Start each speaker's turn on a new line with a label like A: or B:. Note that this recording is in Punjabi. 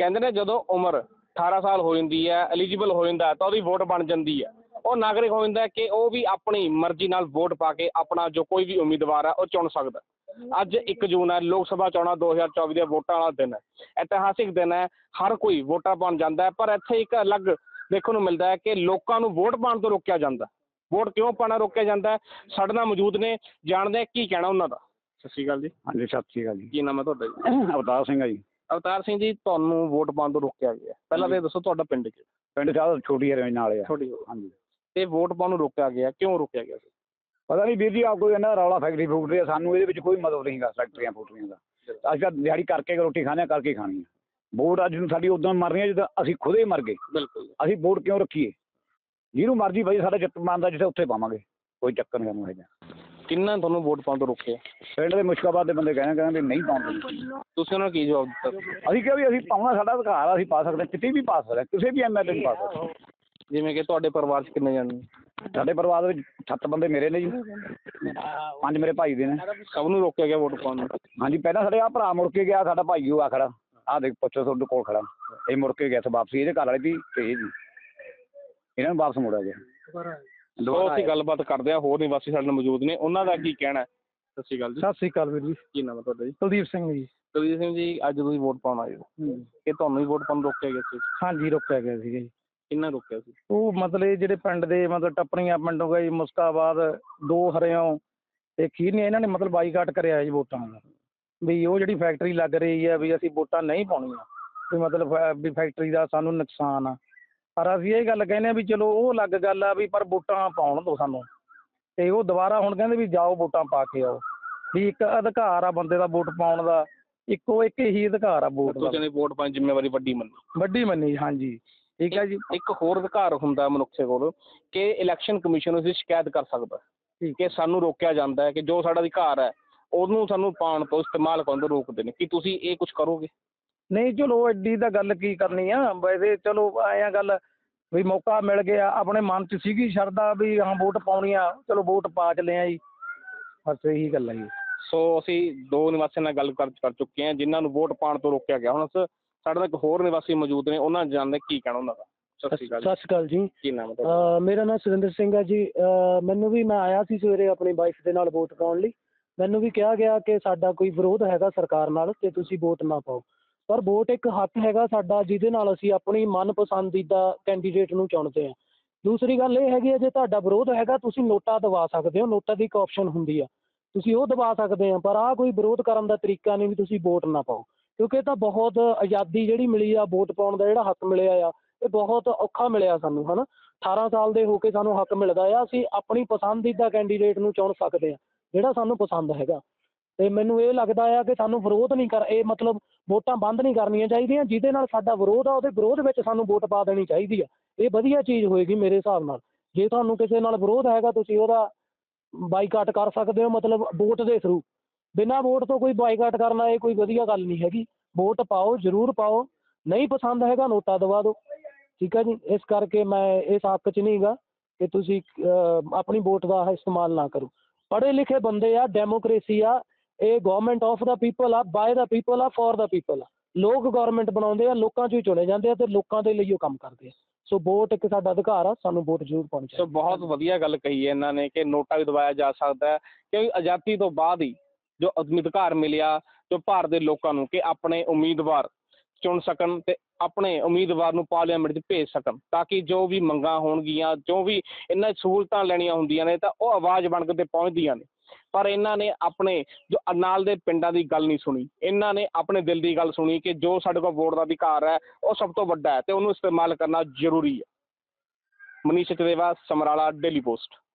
A: ਕਹਿੰਦੇ ਨੇ ਜਦੋਂ ਉਮਰ 18 ਸਾਲ ਹੋ ਜਾਂਦੀ ਹੈ, ਐਲੀਜੀਬਲ ਹੋ ਜਾਂਦਾ ਤਾਂ ਉਹਦੀ ਵੋਟ ਬਣ ਜਾਂਦੀ ਹੈ। ਉਹ ਨਾਗਰਿਕ ਹੋ ਜਾਂਦਾ ਕਿ ਉਹ ਵੀ ਆਪਣੀ ਮਰਜ਼ੀ ਨਾਲ ਵੋਟ ਪਾ ਕੇ ਆਪਣਾ ਜੋ ਕੋਈ ਵੀ ਉਮੀਦਵਾਰ ਹੈ ਉਹ ਚੁਣ ਸਕਦਾ। ਅੱਜ 1 ਜੂਨ ਹੈ, ਲੋਕ ਸਭਾ ਚੋਣਾਂ 2024 ਦੀਆਂ ਵੋਟਾਂ ਵਾਲਾ ਦਿਨ ਹੈ, ਇਤਿਹਾਸਿਕ ਦਿਨ ਹੈ। ਹਰ ਕੋਈ ਵੋਟਾਂ ਪਾਉਣ ਜਾਂਦਾ ਹੈ, ਪਰ ਇੱਥੇ ਇੱਕ ਅਲੱਗ ਦੇਖਣ ਨੂੰ ਮਿਲਦਾ ਹੈ ਕਿ ਲੋਕਾਂ ਨੂੰ ਵੋਟ ਪਾਉਣ ਤੋਂ ਰੋਕਿਆ ਜਾਂਦਾ। ਵੋਟ ਕਿਉਂ ਪਾਉਣਾ ਰੋਕਿਆ ਜਾਂਦਾ? ਸਾਡੇ ਨਾਲ ਮੌਜੂਦ ਨੇ, ਜਾਣਦੇ ਹਾਂ ਕੀ ਕਹਿਣਾ ਉਹਨਾਂ ਦਾ। ਸਤਿ ਸ਼੍ਰੀ ਅਕਾਲ ਜੀ।
B: ਹਾਂਜੀ, ਸਤਿ ਸ਼੍ਰੀ ਅਕਾਲ ਜੀ।
A: ਕੀ ਨਾਮ ਹੈ ਤੁਹਾਡਾ ਜੀ?
B: ਅਵਤਾਰ ਸਿੰਘ ਆ ਜੀ।
A: ਅਵਤਾਰ ਸਿੰਘ ਜੀ, ਤੁਹਾਨੂੰ ਵੋਟ ਪਾਉਣ ਤੋਂ ਰੋਕਿਆ ਗਿਆ, ਪਹਿਲਾਂ ਤਾਂ ਇਹ ਦੱਸੋ ਤੁਹਾਡਾ ਪਿੰਡ ਕਿਹੜਾ?
B: ਪਿੰਡ ਸਾਹਿਬ ਛੋਟੀ ਰੇਂਜ ਨਾਲ ਆ।
A: ਛੋਟੀ।
B: ਹਾਂਜੀ।
A: ਤੇ ਵੋਟ ਪਾਉਣ ਨੂੰ ਰੋਕਿਆ ਗਿਆ, ਕਿਉਂ ਰੋਕਿਆ ਗਿਆ ਸੀ?
B: ਪਤਾ ਨਹੀਂ ਵੀਰ ਜੀ, ਆਪ ਕੋਈ ਇਹਨਾਂ ਰੌਲਾ ਫੈਕਟਰੀ ਫੂਕਟਰੀ ਆ, ਸਾਨੂੰ ਇਹਦੇ ਵਿੱਚ ਕੋਈ ਮਤਲਬ ਨਹੀਂ ਗਾ ਫੈਕਟਰੀਆਂ ਫੂਕਟਰੀਆਂ ਦਾ। ਅਸੀਂ ਤਾਂ ਦਿਹਾੜੀ ਕਰਕੇ ਰੋਟੀ ਖਾਣੇ ਕਰਕੇ ਖਾਣੀ ਆ। ਵੋਟ ਅੱਜ ਨੂੰ ਸਾਡੀ ਉਦੋਂ ਮਰ ਰਹੀ ਹੈ ਜਦੋਂ ਅਸੀਂ ਖੁਦ ਹੀ ਮਰ ਗਏ।
A: ਬਿਲਕੁਲ।
B: ਅਸੀਂ ਵੋਟ ਕਿਉਂ ਰੱਖੀਏ? ਜਿਹਨੂੰ ਮਰਜ਼ੀ ਬਾਈ ਸਾਡਾ ਚਿੱਤ ਮੰਨਦਾ ਜਿੱਥੇ ਉੱਥੇ ਪਾਵਾਂਗੇ, ਕੋਈ ਚੱਕਰ ਨਹੀਂ ਸਾਨੂੰ ਹੈਗਾ।
A: ਕਿੰਨਾ ਤੁਹਾਨੂੰ ਵੋਟ ਪਾਉਣ ਤੋਂ ਰੋਕਿਆ?
B: ਪਿੰਡ ਦੇ ਮੁਸ਼ਕਾਬਾਦ ਦੇ ਬੰਦੇ ਕਹਿੰਦੇ ਵੀ ਨਹੀਂ ਪਾਉਂਦੇ।
A: ਤੁਸੀਂ ਉਹਨਾਂ ਨੂੰ ਕੀ ਜਵਾਬ ਦਿੱਤਾ?
B: ਅਸੀਂ ਕਿਹਾ ਵੀ ਅਸੀਂ ਪਾਉਣਾ, ਸਾਡਾ ਅਧਿਕਾਰ ਆ, ਅਸੀਂ ਪਾ ਸਕਦੇ, ਕਿਤੇ ਵੀ ਪਾ ਸਕਦੇ, ਕਿਸੇ ਵੀ ਐਮਐਲਏ ਨੂੰ ਪਾ ਸਕਦੇ।
A: ਜਿਵੇਂ ਕਿ ਤੁਹਾਡੇ ਪਰਿਵਾਰ 'ਚ ਕਿੰਨੇ ਜਾਣੇ?
B: ਸਾਡੇ ਪਰਿਵਾਰ ਵਿੱਚ 7 ਬੰਦੇ ਮੇਰੇ ਨੇ ਜੀ, 5 ਮੇਰੇ ਭਾਈ ਦੇ ਨੇ।
A: ਸਭ ਨੂੰ ਰੋਕਿਆ ਗਿਆ ਵੋਟ ਪਾਉਣ ਨੂੰ?
B: ਹਾਂਜੀ, ਪਹਿਲਾਂ ਸਾਡੇ ਆਹ ਭਰਾ ਮੁੜ ਕੇ ਗਿਆ, ਸਾਡਾ ਭਾਈ ਉਹ ਆ ਖੜਾ, ਆਹ ਦੇਖ ਪੁੱਛੋ ਤੁਹਾਡੇ ਕੋਲ ਖੜਾ, ਇਹ ਮੁੜ ਕੇ ਗਿਆ ਸੀ ਵਾਪਸੀ, ਇਹਦੇ ਘਰ ਵਾਲੇ ਦੀ ਤੇ ਇਹ ਜੀ, ਇਹਨਾਂ ਨੂੰ ਵਾਪਸ ਮੋੜਿਆ ਗਿਆ।
A: ਅਸੀਂ ਗੱਲਬਾਤ ਕਰਦੇ ਹਾਂ, ਹੋਰ ਨਿਵਾਸੀ ਸਾਡੇ ਨਾਲ ਮੌਜੂਦ ਨੇ, ਉਹਨਾਂ ਦਾ ਕੀ ਕਹਿਣਾ? ਸਤਿ ਸ਼੍ਰੀ ਅਕਾਲ ਜੀ।
C: ਸਤਿ ਸ਼੍ਰੀ ਅਕਾਲ ਵੀਰ ਜੀ।
A: ਕੀ ਨਾਮ ਹੈ ਤੁਹਾਡਾ ਜੀ?
C: ਕੁਲਦੀਪ ਸਿੰਘ ਜੀ।
A: ਕੁਲਦੀਪ ਸਿੰਘ ਜੀ, ਅੱਜ ਤੁਸੀਂ ਵੋਟ ਪਾਉਣ ਆਏ ਹੋ, ਇਹ ਤੁਹਾਨੂੰ ਹੀ ਵੋਟ ਪਾਉਣ ਰੋਕਿਆ ਗਿਆ ਸੀ?
C: ਹਾਂਜੀ, ਰੋਕਿਆ ਗਿਆ ਸੀਗਾ ਜੀ।
A: ਕਿੰਨਾ ਰੋਕਿਆ ਸੀ?
C: ਉਹ ਮਤਲਬ ਜਿਹੜੇ ਪਿੰਡ ਦੇ ਮਤਲਬ ਟੱਪਰੀਆਂ ਪਿੰਡ ਹੋ ਗਿਆ ਜੀ, ਮੁਸਕਾਬਾਦ, 2 ਹਰਿਓਂ ਤੇ ਖੀਰਨੀਆਂ, ਇਹਨਾਂ ਨੇ ਮਤਲਬ ਬਾਈਕਾਟ ਕਰਿਆ ਜੀ ਵੋਟਾਂ ਦਾ। ਵੀ ਉਹ ਜਿਹੜੀ ਫੈਕਟਰੀ ਲੱਗ ਰਹੀ ਹੈ ਵੀ ਅਸੀਂ ਵੋਟਾਂ ਨਹੀਂ ਪਾਉਣੀਆਂ, ਵੀ ਮਤਲਬ ਵੀ ਫੈਕਟਰੀ ਦਾ ਸਾਨੂੰ ਨੁਕਸਾਨ ਆ। ਪਰ ਅਸੀਂ ਇਹ ਗੱਲ ਕਹਿੰਦੇ ਹਾਂ ਵੀ ਚਲੋ ਉਹ ਅਲੱਗ ਗੱਲ ਆ ਵੀ, ਪਰ ਵੋਟਾਂ ਪਾਉਣ ਦਿਓ ਸਾਨੂੰ। ਅਤੇ ਉਹ ਦੁਬਾਰਾ ਹੁਣ ਕਹਿੰਦੇ ਵੀ ਜਾਓ ਵੋਟਾਂ ਪਾ ਕੇ ਆਓ, ਵੀ ਇੱਕ ਅਧਿਕਾਰ ਆ ਬੰਦੇ ਦਾ ਵੋਟ ਪਾਉਣ ਦਾ, ਇੱਕ ਹੀ ਅਧਿਕਾਰ ਆ ਵੋਟ ਦਾ।
A: ਤੁਸੀਂ ਵੋਟ ਪਾਉਣ ਦੀ ਜ਼ਿੰਮੇਵਾਰੀ ਵੱਡੀ ਮੰਨੀ?
C: ਹਾਂਜੀ, ਠੀਕ ਹੈ ਜੀ।
A: ਇੱਕ ਹੋਰ ਅਧਿਕਾਰ ਹੁੰਦਾ ਮਨੁੱਖ ਕੋਲ ਕਿ ਇਲੈਕਸ਼ਨ ਕਮਿਸ਼ਨ ਉਸਦੀ ਸ਼ਿਕਾਇਤ ਕਰ ਸਕਦਾ ਕਿ ਸਾਨੂੰ ਰੋਕਿਆ ਜਾਂਦਾ ਹੈ, ਕਿ ਜੋ ਸਾਡਾ ਅਧਿਕਾਰ ਹੈ ਉਹਨੂੰ ਸਾਨੂੰ ਪਾਉਣ ਤੋਂ, ਇਸਤੇਮਾਲ ਕਰਨ ਤੋਂ ਰੋਕਦੇ ਨੇ। ਕੀ ਤੁਸੀਂ ਇਹ ਕੁਛ ਕਰੋਗੇ?
C: ਨਹੀਂ, ਚਲੋ ਐਡੀ ਤਾਂ ਗੱਲ ਕੀ ਕਰਨੀ ਆ, ਵੈਸੇ ਚਲੋ ਐਂ ਗੱਲ ਵੀ ਮੌਕਾ ਮਿਲ ਗਿਆ, ਆਪਣੇ ਮਨ 'ਚ ਸੀਗੀ ਸ਼ਰਧਾ ਵੀ ਹਾਂ ਵੋਟ ਪਾਉਣੀ ਆ, ਚਲੋ ਵੋਟ ਪਾ ਚਲੇ ਆ ਜੀ, ਬਸ ਇਹੀ ਗੱਲ ਹੈ ਜੀ।
A: ਸੋ ਅਸੀਂ 2 ਨਿਵਾਸੀਆਂ ਨਾਲ ਗੱਲ ਕਰ ਚੁੱਕੇ ਹਾਂ ਜਿਨ੍ਹਾਂ ਨੂੰ ਵੋਟ ਪਾਉਣ ਤੋਂ ਰੋਕਿਆ ਗਿਆ। ਹੁਣ ਸਾਡੇ ਨਾਲ ਇੱਕ ਹੋਰ ਨਿਵਾਸੀ ਮੌਜੂਦ ਨੇ, ਉਹਨਾਂ ਜਾਣਦੇ ਕੀ ਕਹਿਣਾ ਉਹਨਾਂ ਦਾ। ਸਤਿ ਸ਼੍ਰੀ
C: ਅਕਾਲ ਜੀ।
A: ਕੀ ਨਾਮ ਹੈ ਤੁਹਾਡਾ?
C: ਮੇਰਾ ਨਾਮ ਸੁਰਿੰਦਰ ਸਿੰਘ ਹੈ ਜੀ। ਮੈਨੂੰ ਵੀ, ਮੈਂ ਆਇਆ ਸੀ ਸਵੇਰੇ ਆਪਣੀ ਵਾਈਫ ਦੇ ਨਾਲ ਵੋਟ ਪਾਉਣ ਲਈ। ਮੈਨੂੰ ਵੀ ਕਿਹਾ ਗਿਆ ਕਿ ਸਾਡਾ ਕੋਈ ਵਿਰੋਧ ਹੈਗਾ ਸਰਕਾਰ ਨਾਲ ਅਤੇ ਤੁਸੀਂ ਵੋਟ ਨਾ ਪਾਓ, ਪਰ ਵੋਟ ਇੱਕ ਹੱਕ ਹੈਗਾ ਸਾਡਾ, ਜਿਹਦੇ ਨਾਲ ਅਸੀਂ ਆਪਣੀ ਮਨਪਸੰਦੀਦਾ ਕੈਂਡੀਡੇਟ ਨੂੰ ਚੁਣਦੇ ਹਾਂ। ਦੂਸਰੀ ਗੱਲ ਇਹ ਹੈਗੀ ਹੈ, ਜੇ ਤੁਹਾਡਾ ਵਿਰੋਧ ਹੈਗਾ ਤੁਸੀਂ ਨੋਟਾ ਦਬਾ ਸਕਦੇ ਹੋ, ਨੋਟਾ ਦੀ ਇੱਕ ਆਪਸ਼ਨ ਹੁੰਦੀ ਆ, ਤੁਸੀਂ ਉਹ ਦਬਾ ਸਕਦੇ ਆ। ਪਰ ਆਹ ਕੋਈ ਵਿਰੋਧ ਕਰਨ ਦਾ ਤਰੀਕਾ ਨਹੀਂ ਵੀ ਤੁਸੀਂ ਵੋਟ ਨਾ ਪਾਓ, ਕਿਉਂਕਿ ਇਹ ਤਾਂ ਬਹੁਤ ਆਜ਼ਾਦੀ ਜਿਹੜੀ ਮਿਲੀ ਆ, ਵੋਟ ਪਾਉਣ ਦਾ ਜਿਹੜਾ ਹੱਕ ਮਿਲਿਆ ਆ, ਇਹ ਬਹੁਤ ਔਖਾ ਮਿਲਿਆ ਸਾਨੂੰ, ਹੈ ਨਾ। 18 ਸਾਲ ਦੇ ਹੋ ਕੇ ਸਾਨੂੰ ਹੱਕ ਮਿਲਦਾ ਆ, ਅਸੀਂ ਆਪਣੀ ਪਸੰਦੀਦਾ ਕੈਂਡੀਡੇਟ ਨੂੰ ਚੁਣ ਸਕਦੇ ਹਾਂ ਜਿਹੜਾ ਸਾਨੂੰ ਪਸੰਦ ਹੈਗਾ। ਅਤੇ ਮੈਨੂੰ ਇਹ ਲੱਗਦਾ ਆ ਕਿ ਸਾਨੂੰ ਵਿਰੋਧ ਨਹੀਂ ਇਹ ਮਤਲਬ ਵੋਟਾਂ ਬੰਦ ਨਹੀਂ ਕਰਨੀਆਂ ਚਾਹੀਦੀਆਂ। ਜਿਹਦੇ ਨਾਲ ਸਾਡਾ ਵਿਰੋਧ ਆ, ਉਹਦੇ ਵਿਰੋਧ ਵਿੱਚ ਸਾਨੂੰ ਵੋਟ ਪਾ ਦੇਣੀ ਚਾਹੀਦੀ ਆ। ਇਹ ਵਧੀਆ ਚੀਜ਼ ਹੋਏਗੀ ਮੇਰੇ ਹਿਸਾਬ ਨਾਲ। ਜੇ ਤੁਹਾਨੂੰ ਕਿਸੇ ਨਾਲ ਵਿਰੋਧ ਹੈਗਾ, ਤੁਸੀਂ ਉਹਦਾ ਬਾਈਕਾਟ ਕਰ ਸਕਦੇ ਹੋ, ਮਤਲਬ ਵੋਟ ਦੇ ਥਰੂ। ਬਿਨਾਂ ਵੋਟ ਤੋਂ ਕੋਈ ਬਾਈਕਾਟ ਕਰਨਾ, ਇਹ ਕੋਈ ਵਧੀਆ ਗੱਲ ਨਹੀਂ ਹੈਗੀ। ਵੋਟ ਪਾਓ, ਜ਼ਰੂਰ ਪਾਓ, ਨਹੀਂ ਪਸੰਦ ਹੈਗਾ ਨੋਟਾ ਦਬਾ ਦਿਓ, ਠੀਕ ਹੈ ਜੀ। ਇਸ ਕਰਕੇ ਮੈਂ ਇਸ ਹੱਕ 'ਚ ਨਹੀਂ ਗਾ ਕਿ ਤੁਸੀਂ ਆਪਣੀ ਵੋਟ ਦਾ ਇਸਤੇਮਾਲ ਨਾ ਕਰੋ। ਪੜ੍ਹੇ ਲਿਖੇ ਬੰਦੇ ਆ, ਡੈਮੋਕ੍ਰੇਸੀ ਆ, ਇਹ ਗੌਰਮੈਂਟ ਆਫ ਦਾ ਪੀਪਲ ਆ, ਬਾਏ ਦਾ ਪੀਪਲ ਆ, ਫॉर ਦਾ ਪੀਪਲ ਆ। ਲੋਕ ਗੌਰਮੈਂਟ ਬਣਾਉਂਦੇ ਆ, ਲੋਕਾਂ 'ਚੋਂ ਹੀ ਚੁਣੇ ਜਾਂਦੇ ਆ ਅਤੇ ਲੋਕਾਂ ਦੇ ਲਈ ਉਹ ਕੰਮ ਕਰਦੇ ਆ। ਸੋ ਵੋਟ ਇੱਕ ਸਾਡਾ ਅਧਿਕਾਰ ਆ, ਸਾਨੂੰ ਵੋਟ ਜ਼ਰੂਰ ਪਾਉਣੀ ਚਾਹੀਦੀ।
A: ਸੋ ਬਹੁਤ ਵਧੀਆ ਗੱਲ ਕਹੀ ਹੈ ਇਹਨਾਂ ਨੇ ਕਿ ਨੋਟਾ ਵੀ ਦਬਾਇਆ ਜਾ ਸਕਦਾ ਹੈ, ਕਿਉਂਕਿ ਆਜ਼ਾਦੀ ਤੋਂ ਬਾਅਦ ਹੀ ਜੋ ਅਧਿਕਾਰ ਮਿਲਿਆ ਜੋ ਭਾਰਤ ਦੇ ਲੋਕਾਂ ਨੂੰ ਕਿ ਆਪਣੇ ਉਮੀਦਵਾਰ ਚੁਣ ਸਕਣ ਅਤੇ ਆਪਣੇ ਉਮੀਦਵਾਰ ਨੂੰ ਪਾਰਲੀਮੈਂਟ 'ਚ ਭੇਜ ਸਕਣ, ਤਾਂ ਕਿ ਜੋ ਵੀ ਮੰਗਾਂ ਹੋਣਗੀਆਂ, ਜੋ ਵੀ ਇਹਨਾਂ ਸਹੂਲਤਾਂ ਲੈਣੀਆਂ ਹੁੰਦੀਆਂ ਨੇ ਤਾਂ ਉਹ ਆਵਾਜ਼ ਬਣ ਕੇ ਪਹੁੰਚਦੀਆਂ ਨੇ। ਪਰ ਇਹਨਾਂ ਨੇ ਆਪਣੇ ਜੋ ਨਾਲ ਦੇ ਪਿੰਡਾਂ ਦੀ ਗੱਲ ਨਹੀਂ ਸੁਣੀ, ਇਹਨਾਂ ਨੇ ਆਪਣੇ ਦਿਲ ਦੀ ਗੱਲ ਸੁਣੀ ਕਿ ਜੋ ਸਾਡੇ ਕੋਲ ਵੋਟ ਦਾ ਅਧਿਕਾਰ ਹੈ ਉਹ ਸਭ ਤੋਂ ਵੱਡਾ ਹੈ ਅਤੇ ਉਹਨੂੰ ਇਸਤੇਮਾਲ ਕਰਨਾ ਜ਼ਰੂਰੀ ਹੈ। Manish Chateva, Samrala, Daily post.